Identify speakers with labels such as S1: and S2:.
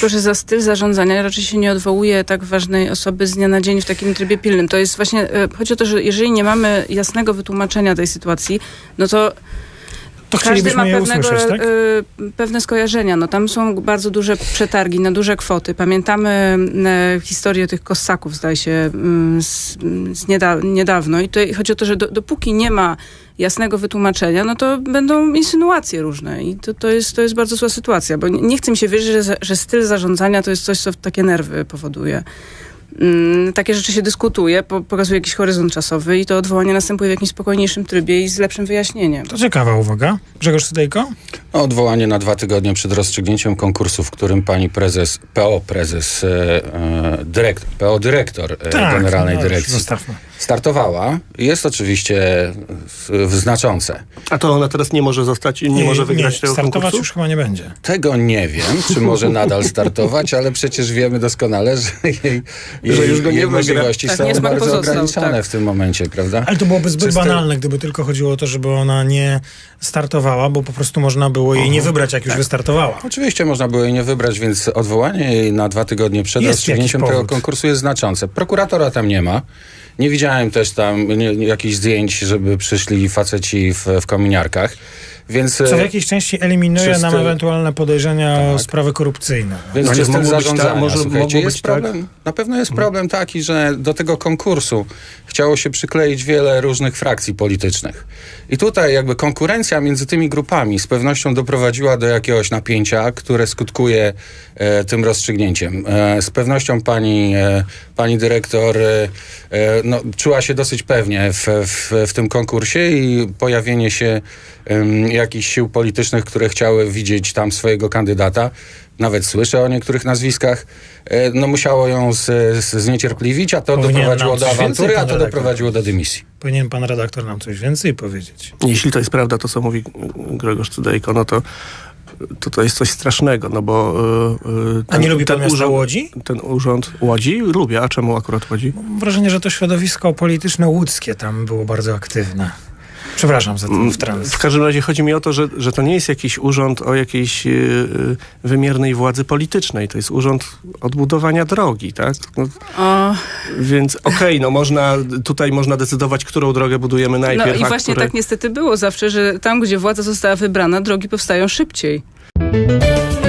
S1: tylko, że za styl zarządzania raczej się nie odwołuje tak ważnej osoby z dnia na dzień w takim trybie pilnym. To jest właśnie, chodzi o to, że jeżeli nie mamy jasnego wytłumaczenia tej sytuacji, no to każdy ma pewne skojarzenia. No, tam są bardzo duże przetargi na duże kwoty. Pamiętamy historię tych Kossaków, zdaje się, niedawno. I tutaj chodzi o to, że dopóki nie ma jasnego wytłumaczenia, no to będą insynuacje różne. I to jest bardzo zła sytuacja, bo nie chcę mi się wierzyć, że styl zarządzania to jest coś, co takie nerwy powoduje. Takie rzeczy się dyskutuje, pokazuje jakiś horyzont czasowy i to odwołanie następuje w jakimś spokojniejszym trybie i z lepszym wyjaśnieniem.
S2: To ciekawa uwaga. Grzegorz Cydejko?
S3: Odwołanie na 2 tygodnie przed rozstrzygnięciem konkursu, w którym pani PO dyrektor Generalnej Dyrekcji startowała, jest oczywiście znaczące.
S4: A to ona teraz nie może zostać i nie może wygrać tego konkursu?
S2: Startować już chyba nie będzie.
S3: Tego nie wiem, czy może nadal startować, ale przecież wiemy doskonale, że jej możliwości są bardzo ograniczone w tym momencie, prawda?
S2: Ale to byłoby zbyt banalne, gdyby tylko chodziło o to, żeby ona nie startowała, bo po prostu można było jej nie wybrać, jak już wystartowała.
S3: Oczywiście można było jej nie wybrać, więc odwołanie jej na 2 tygodnie przed rozstrzygnięciem tego konkursu jest znaczące. Prokuratora tam nie ma. Nie widziałem też tam jakichś zdjęć, żeby przyszli faceci w kominiarkach. Więc,
S2: co w jakiejś części eliminuje nam ewentualne podejrzenia o sprawy korupcyjne.
S3: Więc czystym zarządzania, słuchajcie, jest problem. Na pewno jest problem taki, że do tego konkursu chciało się przykleić wiele różnych frakcji politycznych. I tutaj jakby konkurencja między tymi grupami z pewnością doprowadziła do jakiegoś napięcia, które skutkuje tym rozstrzygnięciem. Z pewnością pani dyrektor czuła się dosyć pewnie w tym konkursie i pojawienie się jakichś sił politycznych, które chciały widzieć tam swojego kandydata, nawet słyszę o niektórych nazwiskach, musiało ją zniecierpliwić, a to doprowadziło do awantury, a to doprowadziło do dymisji.
S2: Powinien pan redaktor nam coś więcej powiedzieć.
S4: Jeśli to jest prawda, to co mówi Grzegorz Cydejko, no to jest coś strasznego, no bo...
S2: A nie lubi pan miasta Łodzi?
S4: Ten urząd Łodzi? Lubię, a czemu akurat Łodzi?
S2: Mam wrażenie, że to środowisko polityczne łódzkie tam było bardzo aktywne. Przepraszam za ten wtręt.
S4: W każdym razie chodzi mi o to, że to nie jest jakiś urząd o jakiejś wymiernej władzy politycznej. To jest urząd odbudowania drogi, tak? Więc tutaj można decydować, którą drogę budujemy najpierw.
S1: No i właśnie tak niestety było zawsze, że tam, gdzie władza została wybrana, drogi powstają szybciej.